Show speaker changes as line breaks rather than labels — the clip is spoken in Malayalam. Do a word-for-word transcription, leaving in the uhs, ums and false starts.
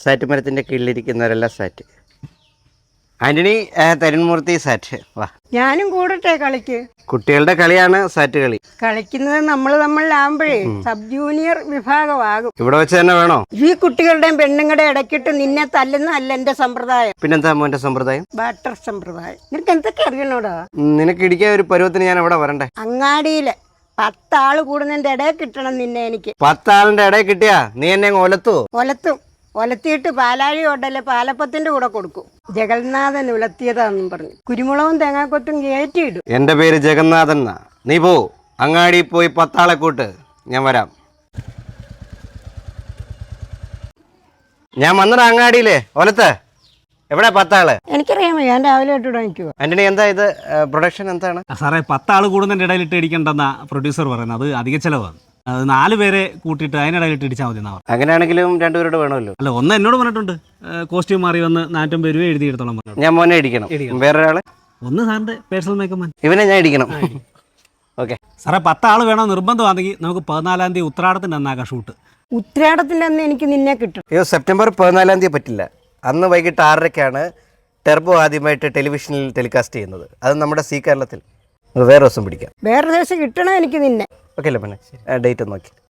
സാറ്റ് മരത്തിൻ്റെ കീഴിലിരിക്കുന്നവരെല്ലാം സാറ്റ്. ആൻ്റണി തരുൺമൂർത്തി സാറ്റ്. വാ,
ഞാനും കൂടട്ടെ കളിക്ക്.
കുട്ടികളുടെ കളിയാണ് സാറ്റ് കളി.
കളിക്കുന്നത് നമ്മൾ തമ്മിലാകുമ്പോഴേ സബ് ജൂനിയർ വിഭാഗമാകും.
ഇവിടെ വെച്ച് തന്നെ വേണോ?
ഈ കുട്ടികളുടെയും പെണ്ണുങ്ങളുടെ ഇടയ്ക്കിട്ട് നിന്നെ തല്ലുന്നതല്ല എന്റെ സമ്പ്രദായം.
പിന്നെന്താ മോന്റെ സമ്പ്രദായം?
ബാട്ടർ സമ്പ്രദായം. നിനക്ക് എന്തൊക്കെ അറിയണോടാ?
നിനക്ക് ഇടിക്കാൻ ഒരു പരുവത്തിന് ഞാൻ എവിടെ വരണ്ടേ?
അങ്ങാടിയില് പത്താള് കൂടുന്നതിന്റെ ഇടയിൽ കിട്ടണം നിന്നെ എനിക്ക്.
പത്താളിന്റെ ഇടയിൽ കിട്ടിയാ നീ എന്നെ ഒലത്തുവോ?
ഒലത്തും. ഒലത്തിയിട്ട് പാലാഴി ഓട്ടല്ലേ പാലപ്പത്തിന്റെ കൂടെ കൊടുക്കും. ജഗന്നാഥൻ ഉലത്തിയതാന്നും പറഞ്ഞു കുരുമുളകും തേങ്ങാക്കൊത്തും കയറ്റിയിടും.
എന്റെ പേര് ജഗന്നാഥൻ എന്നാ. നീ പോ, അങ്ങാടി പോയി പത്താളെ കൂട്ട്, ഞാൻ വരാം. ഞാൻ വന്നടാ അങ്ങാടിയില്ലേ ഒലത്ത്. എവിടെ പത്താള്?
എനിക്കറിയാമോ, ഞാൻ രാവിലെ തൊട്ട് നിൽക്കുക.
ആന്റണി, എന്താ ഇത് പ്രൊഡക്ഷൻ എന്താണ്?
സാറേ, പത്താള് കൂടുന്നതിൻ്റെ ഇടയിലിട്ട് ഇടിക്കണ്ടെന്ന പ്രൊഡ്യൂസർ പറയുന്നത്. അത് അധിക ചിലവാണ്. അത് നാല് പേരെ കൂട്ടിയിട്ട് അതിനിടയിലിട്ട് ഇടിച്ചാൽ മതി എന്നാ.
അങ്ങനെയാണെങ്കിലും രണ്ടുപേരോട് വേണമല്ലോ.
അല്ല, ഒന്ന് എന്നോട് പറഞ്ഞിട്ടുണ്ട് കോസ്റ്റ്യൂം മാറി വന്ന് നാറ്റൊമ്പത് രൂപ എഴുതിയെടുത്തോളം പറഞ്ഞു.
ഞാൻ മോനെ ഇടിക്കണം. വേറൊരാള്?
ഒന്ന് സാറിൻ്റെ പേഴ്സണൽ മേക്കപ്പ് മാൻ.
ഇവനെ ഞാൻ ഇടിക്കണം. ഓക്കെ
സാറേ, പത്താൾ വേണോ നിർബന്ധമാണെങ്കിൽ നമുക്ക് പതിനാലാം തീയതി ഉത്രാടത്തിൻ്റെ അന്നാക്കാം ഷൂട്ട്.
ഉത്രാടത്തിന്റെ അന്ന് എനിക്ക് നിന്നെ കിട്ടും.
അയ്യോ, സെപ്റ്റംബർ പതിനാലാം തീയതി പറ്റില്ല. അന്ന് വൈകിട്ട് ആറരയ്ക്കാണ് ടെർബോ ആദ്യമായിട്ട് ടെലിവിഷനിൽ ടെലികാസ്റ്റ് ചെയ്യുന്നത്. അത് നമ്മുടെ സി കേരളത്തിൽ. വേറെ ദിവസം പിടിക്കാം.
വേറെ ദിവസം കിട്ടണം എനിക്ക് നിന്നെ.
ഓക്കെ അല്ലേ പിന്നെ? ഡേറ്റ് നോക്കി.